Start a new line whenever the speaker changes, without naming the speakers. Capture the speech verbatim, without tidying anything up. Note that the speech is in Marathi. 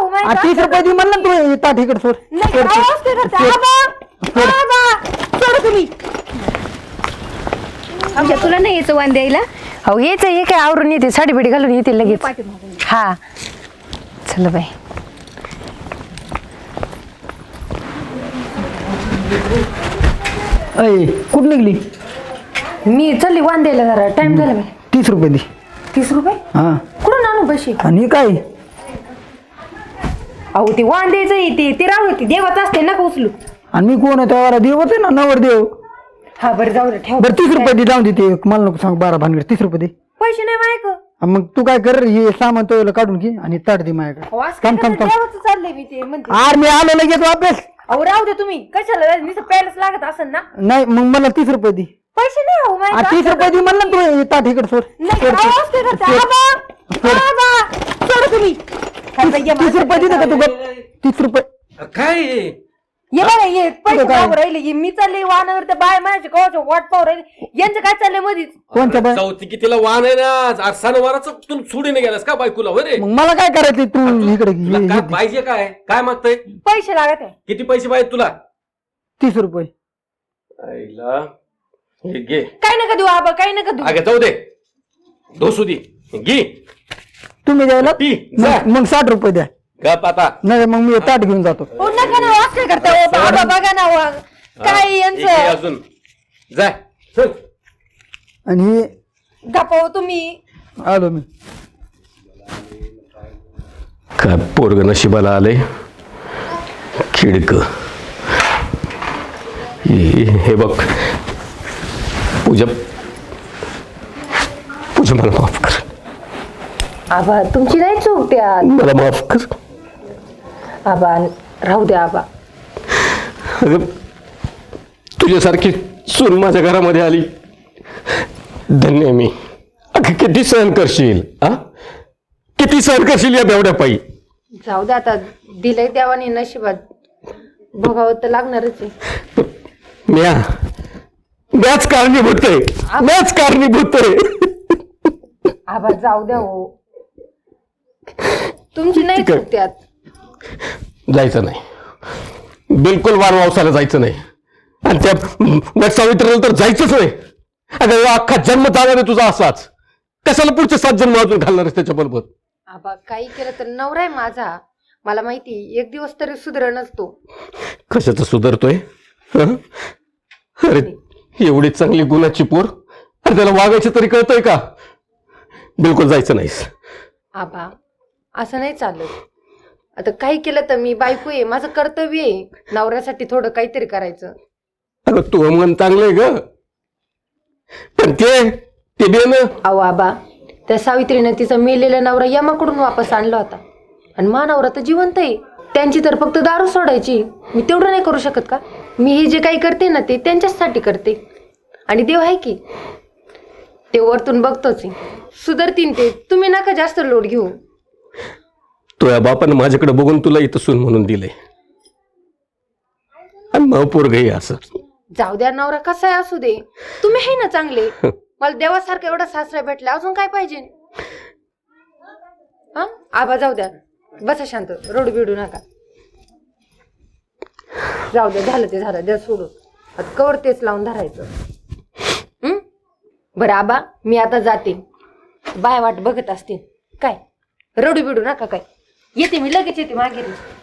हो माहिती
तीस रुपये दे म्हणलं तू ताट इकडे सोड.
नाही काय असते का ते? आबा आबा सोड तुम्ही.
आमच्या तुला नाही यायचं वाण द्यायला. हो हेच हे काय आवरून येते साडी बिडी घालून येते लगेच. हा चल बाई.
अय कुठं निघली?
मी चालली वाण द्यायला जरा टाइम झाला बाई.
तीस रुपये दे.
तीस रुपये
हा
कुठून आणू पैसे?
आणि काय
अहो ते वाण द्यायचं ते ते राहू दे देवाच असते नका उचलू.
आणि मी कोण आहे देव होते ना नवर देव.
हा बरं जाऊ दे ठेव.
बरं तीस रुपये दे जाऊन दे ते मला नको सांग बारा भानगड तीस रुपये दे.
पैसे नाही मायक.
मग तू काय कर हे सामान तो काढून घे आणि ताट दे माझ्याकडे. थांब थांब थांब
देवाचं चाललंय मी ते म्हणते.
आर मी आलो लगेच वापस.
अहो राहू दे तुम्ही कशाला नुसतं प्यायलाच लागत असेल ना.
नाही मग मला तीस रुपये दे.
पैसे नाही हो
आ,
मायक.
तीस रुपये दे म्हणलं तू ताट इकडे सोड.
नाही काय असते का ते? आबा आबा सोड तुम्ही.
तीस रुपये दे का तू गप? तीस रुपये
काय
ये बघा ये पैसे पाहू राहिले ये मी चालले वाहनावर त्या बाय माझ्या कवाच्या वाट पाहू राहिले यांचं काय चाललंय मधीच.
कोणत्या बाय?
चौथी कितीला वाहन आहे ना आज सणवाराचं तू सोडीने गेलास का बायकोला होय रे?
मग मला काय करायचं तू इकडे
तुला
घे.
काय पाहिजे काय काय मागतय?
पैसे लागत आहे.
किती पैसे पाहिजे तुला?
तीस रुपये.
आईला हे घे.
काय नका देऊ आबा काय नका देऊ.
अगे जाऊ दे दोसू दे घे
तुम्ही द्यायला
ती, जा.
मग मग साठ रुपये द्या.
गप आता.
नाही मग मी ताट घेऊन जातो.
हो नका ना वाच करता हो बाबा बघा ना वा. काय
एक घे
यांचं
अजून जा चल.
आणि हे
गपाव तुम्ही.
आलो मी.
काय पोरग नशिबाला आले खिडक. हे बघ पूजा पूजा मला माफ कर.
आबा तुमची नाही चूक त्यात.
मला माफ कर.
आबा राहू द्या आबा.
अगं तुझ्यासारखी सून माझ्या घरामध्ये आली धन्य आहे मी. अगं किती सहन करशील हा किती सहन करशील या बेवड्या पायी.
जाऊ द्या आता दिलंय देवाने नशिबात बघावं तर लागणारच आहे.
म्या म्याच कारणीभूत आहे म्याच कारणीभूत आहे.
आबा जाऊ द्या हो तुमची नाही
ठीक आहे.
चूक त्यात.
जायचं नाही बिलकुल वारवावसाला जायचं नाही. आणि त्या वट सावित्रीला तर जायचंच नाही. अगं अख्खा जन्म जाणार आहे तुझा असाच. कशाला पुढचे सात जन्म अजून घालणार आहेस त्याच्याबरोबर?
आबा काही केलं तर नवरा आहे माझा. मला माहिती एक दिवस तरी सुधरणच तो.
कशाचं सुधारतोय हं? अरे एवढी चांगली गुणाची पोर अरे त्याला वागायचं तरी कळतंय का? बिलकुल जायचं नाहीस.
आबा असं नाही चालत. आता काही केलं तर मी बायको आहे माझं कर्तव्य आहे नवऱ्यासाठी थोडं काहीतरी करायचं.
अगं तू मन चांगलंय ग पण ते ते दे ना.
अहो आबा त्या सावित्रीनं तिचा मेलेला नवरा यमाकडून वापस आणला होता आणि मा नवरा तर जिवंत आहे. त्यांची तर फक्त दारू सोडायची. मी तेवढं नाही करू शकत का? मी हे जे काही करते ना ते त्यांच्यासाठी करते. आणि देव आहे की ते वरतून बघतोच सुधरतीन ते. तुम्ही नका जास्त लोड घेऊ.
तुझ्या बापानं माझ्याकडे बघून तुला इथं सून म्हणून दिलंय आणि मग पोरग हे असं.
जाऊ द्या नवरा कसा आहे असू दे. तुम्ही आहे ना चांगले. मला देवासारखं एवढा सासरा भेटला अजून काय पाहिजे? हा आबा जाऊ द्या बसा शांत रडू बिडू नका. जाऊ द्या झालं ते झालं द्या सोडून. आता कवर तेच लावून धरायचं. हम्म बरं आबा मी आता जाते. बाय वाट बघत असते काय रडू बिडू नका काय. येते मी लगेच येते मागे.